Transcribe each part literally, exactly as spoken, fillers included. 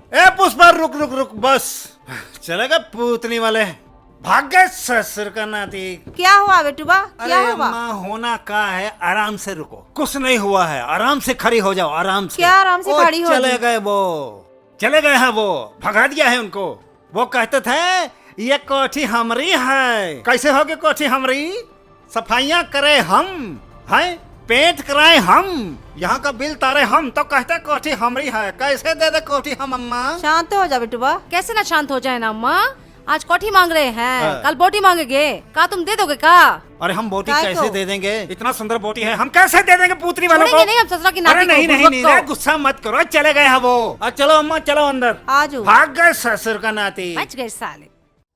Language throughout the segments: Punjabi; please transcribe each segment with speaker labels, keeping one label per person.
Speaker 1: ए पुष्पा रुक रुक रुक बस चलेगा पूतनी वाले भाग गए ससुर का नाती।
Speaker 2: क्या हुआ बेटूबा, क्या
Speaker 1: अरे
Speaker 2: हुआ?
Speaker 1: माँ होना का है, आराम से रुको, कुछ नहीं हुआ है, आराम से खड़ी हो जाओ, आराम से।
Speaker 2: क्या आराम से
Speaker 1: ओ,
Speaker 2: खड़ी हो
Speaker 1: चले
Speaker 2: जाऊं?
Speaker 1: गए वो, चले गए हैं वो, भगा दिया है उनको। वो कहते थे ये कोठी हमारी है। कैसे होगी कोठी हमारी? सफाइयाँ करे हम, हैं पेंट कराए हम, यहाँ का बिल तारे हम, तो कहते कोठी हमारी है। कैसे दे दे कोठी हम अम्मा?
Speaker 2: शांत हो जा बेटूबा।
Speaker 3: कैसे ना शांत हो जाए ना अम्मा, आज कोठी मांग रहे हैं,
Speaker 1: हाँ।
Speaker 3: कल बोटी मांगेंगे, का तुम दे दोगे का?
Speaker 1: अरे हम बोटी
Speaker 2: काय
Speaker 1: कैसे
Speaker 2: को?
Speaker 1: दे देंगे? इतना सुंदर बोटी है, हम कैसे दे देंगे पुत्री वालों को?
Speaker 3: छोड़ेंगे नहीं हम ससुरा की नाती
Speaker 1: अरे
Speaker 3: को,
Speaker 1: नहीं नहीं
Speaker 3: बुड़बक
Speaker 1: नहीं
Speaker 3: को।
Speaker 1: रे, गुस्सा मत करो, चले गए हैं वो। अब चलो अम्मा चलो अंदर।
Speaker 2: आजू
Speaker 1: भाग गए ससुर का नाती।
Speaker 3: बच गए साले।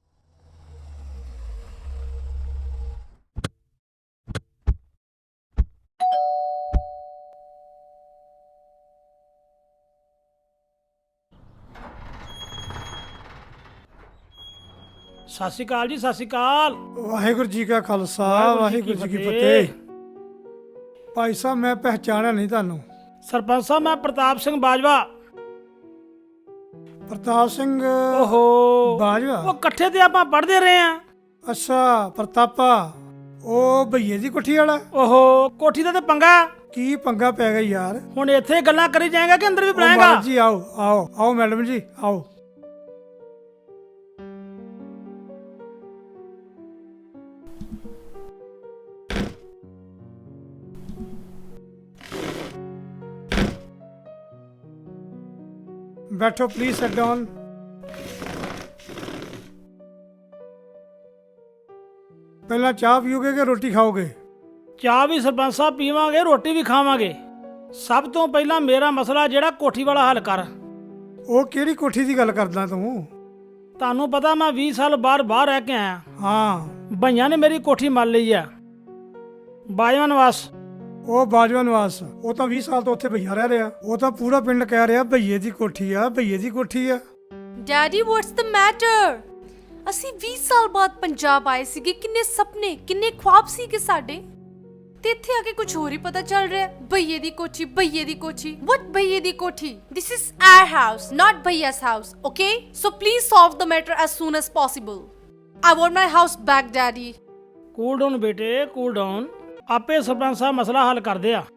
Speaker 4: ਸਤਿ ਸ਼੍ਰੀ ਅਕਾਲ ਜੀ, ਸਤਿ ਸ਼੍ਰੀ ਅਕਾਲ।
Speaker 5: ਵਾਹਿਗੁਰੂ ਜੀ ਕਾ ਖਾਲਸਾ ਵਾਹਿਗੁਰੂ ਜੀ ਕੀ
Speaker 4: ਫਤਿਹ।
Speaker 5: ਫਤਿਹ। ਭਾਈ ਸਾਹਿਬ ਮੈਂ ਪਹਿਚਾਣਿਆ ਨਹੀਂ ਤੁਹਾਨੂੰ।
Speaker 4: ਸਰਪੰਚ ਸਾਹਿਬ ਮੈਂ ਪ੍ਰਤਾਪ ਸਿੰਘ ਬਾਜਵਾ।
Speaker 5: ਪ੍ਰਤਾਪ ਸਿੰਘ
Speaker 4: ਓਹੋ
Speaker 5: ਬਾਜਵਾ।
Speaker 4: ਉਹ ਇਕੱਠੇ ਤੇ ਆਪਾਂ ਪੜ੍ਹਦੇ ਰਹੇ ਆ।
Speaker 5: ਅੱਛਾ ਪ੍ਰਤਾਪਾ, ਉਹ ਭਈਏ ਦੀ ਕੋਠੀ ਵਾਲਾ।
Speaker 4: ਓਹੋ ਕੋਠੀ ਦਾ ਤੇ ਪੰਗਾ,
Speaker 5: ਕੀ ਪੰਗਾ ਪੈ ਗਿਆ ਯਾਰ।
Speaker 4: ਹੁਣ ਇੱਥੇ ਗੱਲਾਂ ਕਰੀ ਜਾਏਗਾ ਕਿ ਅੰਦਰ ਵੀ
Speaker 5: ਉਹ
Speaker 4: ਬੁਲਾਏਗਾ?
Speaker 5: ਮਾਲਕ ਜੀ ਆਓ ਆਓ ਆਓ ਮੈਡਮ ਜੀ ਆਓ। बैठो प्लीज सेट डाउन। पहला चाह पियोगे कि रोटी खाओगे?
Speaker 4: ਚਾਹ ਵੀ ਸਰਪੰਚ ਸਾਹਿਬ ਪੀਵਾਂਗੇ, ਰੋਟੀ ਵੀ ਖਾਵਾਂਗੇ। ਸਭ ਤੋਂ ਪਹਿਲਾਂ ਮੇਰਾ ਮਸਲਾ ਜਿਹੜਾ ਕੋਠੀ ਵਾਲਾ ਹੱਲ ਕਰ।
Speaker 5: ਉਹ ਕਿਹੜੀ ਕੋਠੀ ਦੀ ਗੱਲ ਕਰਦਾ ਤੂੰ?
Speaker 4: ਤੁਹਾਨੂੰ ਪਤਾ ਮੈਂ ਵੀਹ ਸਾਲ ਬਾਹਰ ਬਾਹਰ ਰਹਿ ਕੇ ਆਇਆ।
Speaker 5: ਹਾਂ
Speaker 4: ਭਈਆਂ ਨੇ ਮੇਰੀ ਕੋਠੀ ਮੰਨ ਲਈ ਆ, ਬਾਜਵਾ ਨਿਵਾਸ।
Speaker 5: ਉਹ ਬਾਜਵਾ ਨਿਵਾਸ, ਉਹ ਤਾਂ ਵੀਹ ਸਾਲ ਤੋਂ ਉੱਥੇ ਭਈਆ ਰਹਿ ਰਿਹਾ। ਉਹ ਤਾਂ ਪੂਰਾ ਪਿੰਡ ਕਹਿ ਰਿਹਾ ਭਈਏ ਦੀ ਕੋਠੀ ਆ, ਭਈਏ ਦੀ ਕੋਠੀ ਆ।
Speaker 6: Daddy what's the matter? ਅਸੀਂ ਵੀਹ ਸਾਲ ਬਾਅਦ ਪੰਜਾਬ ਆਏ ਸੀਗੇ, ਕਿੰਨੇ ਸੁਪਨੇ ਕਿੰਨੇ ख्वाब ਸੀਗੇ ਸਾਡੇ, ਤੇ ਇੱਥੇ ਆ ਕੇ ਕੁਝ ਹੋਰ ਹੀ ਪਤਾ ਚੱਲ ਰਿਹਾ। ਭਈਏ ਦੀ ਕੋਠੀ, ਭਈਏ ਦੀ ਕੋਠੀ, ਵਾਟ ਭਈਏ ਦੀ ਕੋਠੀ? This is our house, not ਭਈਆਸ house, okay? So please solve the matter as soon as possible. I want my house back daddy.
Speaker 4: Cool down ਬੇਟੇ, ਕੂਲ ਡਾਊਨ। ਆਪੇ ਸਰਪੰਚ ਸਾਹਿਬ ਮਸਲਾ ਹੱਲ ਕਰਦੇ ਆ।